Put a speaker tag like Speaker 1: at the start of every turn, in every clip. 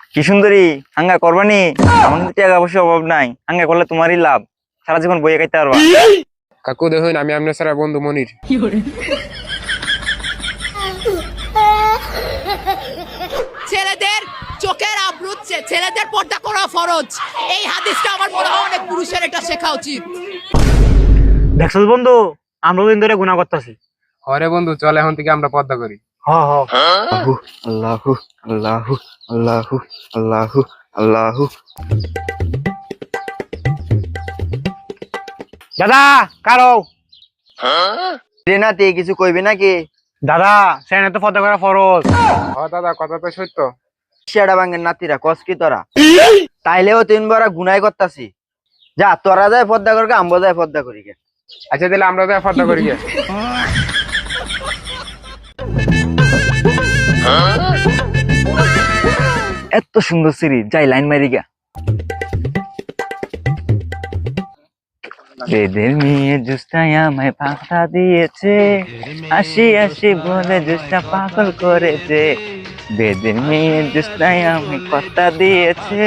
Speaker 1: কি সুন্দরী, হাঙ্গা করবানি? আমার কিন্তু টাকা পয়সা অভাব নাই, হাঙ্গা করলে তোমারই লাভ, সারা জীবন বইয়ে খাইতে পারবা।
Speaker 2: কাকু দেখুন আমি আপনার সারা বন্ধু মনির।
Speaker 3: ছেলেদের চোখের আবরু ছেলেদের পর্দা করা ফরজ। এই হাদিসটা আমার মনে হয় অনেক পুরুষের এটা শেখা উচিত।
Speaker 4: দেখছো বন্ধু, আমরা দিন ধরে গুনাহ করতেছি।
Speaker 2: হরে বন্ধু চল এখন থেকে আমরা পদ্মা করি।
Speaker 4: হ হ
Speaker 1: আল্লাহু আল্লাহু আল্লাহু আল্লাহু আল্লাহু।
Speaker 4: দাদা কারো
Speaker 1: নাতি কিছু কইবি নাকি?
Speaker 4: দাদা সেনে তো পর্দা করা ফরজ।
Speaker 2: দাদা কথা তো সত্য।
Speaker 1: শিয়াড়া বাঙ্গের নাতিরা কস কি তোরা? তাইলেও 3 বড় গুনাই করতাছি। যা তোরা যায় পর্দা করকে, আমবো যায় পর্দা করি গে।
Speaker 2: আচ্ছা তাহলে আমরা তো পদ্মা করি গে।
Speaker 1: এত সুন্দর সিরি, যাই লাইন মারি গা। বেদের মেয়ে জুস্তায় আমায় পাতা দিয়েছে, আসি আসি বলে জুস্তা পাগল করেছে। বেদের মেয়ে জুস্তায় আমায় কথা দিয়েছে।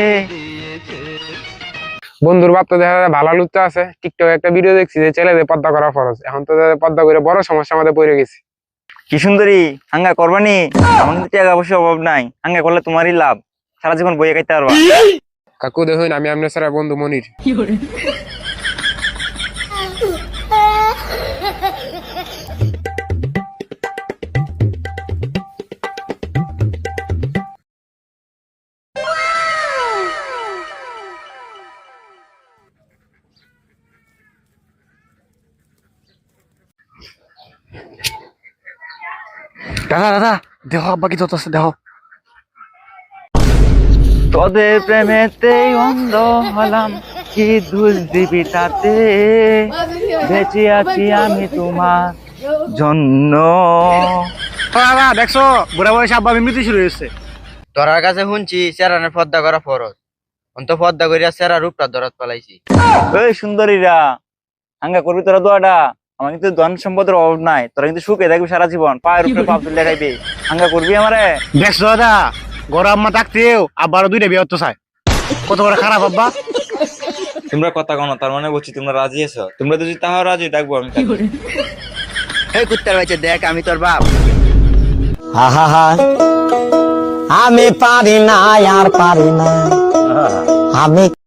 Speaker 2: বন্ধুর বাপ তো দেখা যায় ভালো লুচ্চা আছে, টিকটক একটা ভিডিও দেখছি যে ছেলেদের পদ্মা করা ফরজ। এখন তো পদ্মা করে বড় সমস্যা আমাদের পড়ে গেছি।
Speaker 1: কি সুন্দরী, হাঙ্গা করবানি? আমার কিন্তু টাকা পয়সা অভাব নাই, হাঙ্গা করলে তোমারই লাভ, সারা জীবন বইয়ে খাইতে পারবা।
Speaker 2: কাকু দেখুন আমি আপনার সারা বন্ধু মনির।
Speaker 4: দাদা দাদা দেহ আব্বা কি যত আছে দেহ।
Speaker 1: তোদের প্রেমেতেই অন্ধ হলাম, কি দোষ দিবি তাতে, বেঁচে আছি আমি তোমার জন্য।
Speaker 4: দাদা দেখছো বুড়া বয়সে আব্বা বিমৃতি শুরু হয়েছে।
Speaker 1: তোরার কাছে শুনছি চেরানের পর্দা করা ফরজ, অন্ত পর্দা করিয়া চেরা রূপটা দরাত পালাইছি। এই সুন্দরীরা, হাঙ্গা করবি তোরা দোয়াটা? আমার কিন্তু ধন সম্পদের অভাব নাই, তোরা কিন্তু সুখে থাকবি সারা জীবন, পায়ের উপরে পাপ তুলে খাইবি। হাঙ্গা করবি আমারে?
Speaker 4: দেখছো দাদা, গরম আম্মা থাকতেও আব্বারও 2টা বিয়ে হতে চায়। কত বড় খারাপ আব্বা।
Speaker 1: তোমরা কথা কনো, তার মানে বলছি তোমরা রাজি আছো? তোমরা যদি তাহাও রাজি, ডাকবো আমি। এই কুত্তার বাচ্চা দেখ, আমি তোর বাপ।
Speaker 5: আমি পারি না আর পারি না আমি